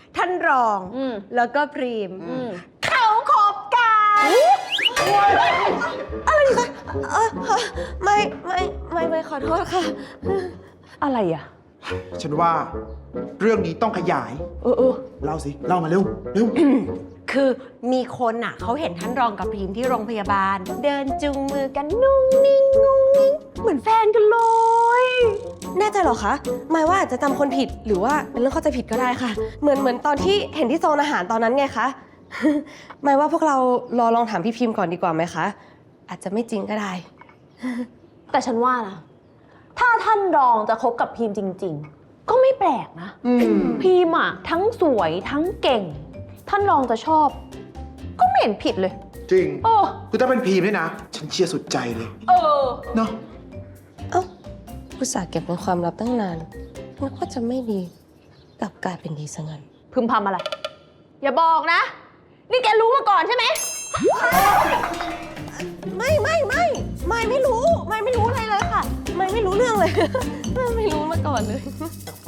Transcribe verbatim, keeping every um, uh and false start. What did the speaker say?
ท่านรองอืมแล้วก็พรีมอืมเขาคบกันอะไรคะเออไม่ไม่ไม่ไม่ขอโทษค่ะอะไรอ่ะฉันว่าเรื่องนี้ต้องขยายเออเออเล่าสิ เล่ามาเร็ว เร็วคือมีคนอ่ะเขาเห็นท่านรองกับพรีมที่โรงพยาบาล เดินจูงมือกันนุ่งนิ่งงุ้งนิ้งเหมือนแฟนกันเลยแน่ใจเหรอคะหมายว่าอาจจะจำคนผิดหรือว่าเป็นเรื่องเข้าใจผิดก็ได้ค่ะ เหมือนเหมือนตอนที่เห็นที่โซนอาหารตอนนั้นไงคะ หมายว่าพวกเรารอลองถามพี่พิมพ์ก่อนดีกว่าไหมคะ อาจจะไม่จริงก็ได้แต่ฉันว่านะ ถ้าท่านรองจะคบกับพีมจริง ๆ ก็ไม่แปลกนะอืมพีมอ่ะทั้งสวยทั้งเก่ง ท่านรองจะชอบ ก็ไม่เห็นผิดเลยจริงโอ้คือถ้าเป็นพีมเนี่ยนะ ฉันเชียร์สุดใจเลยเออเนาะเอ้าอุตส่าห์เก็บเป็นความลับตั้งนานนึกว่าจะไม่ดีกลับกลายเป็นดีซะงั้นพึมพำอะไร อย่าบอกนะ นี่แกรู้มาก่อนใช่ไหมไม่ไม่ไม่ไม่ไม่รู้ ไม่ไม่รู้อะไรเลยค่ะ ไม่ไม่รู้เรื่องเลย ไม่ไม่รู้มาก่อนเลย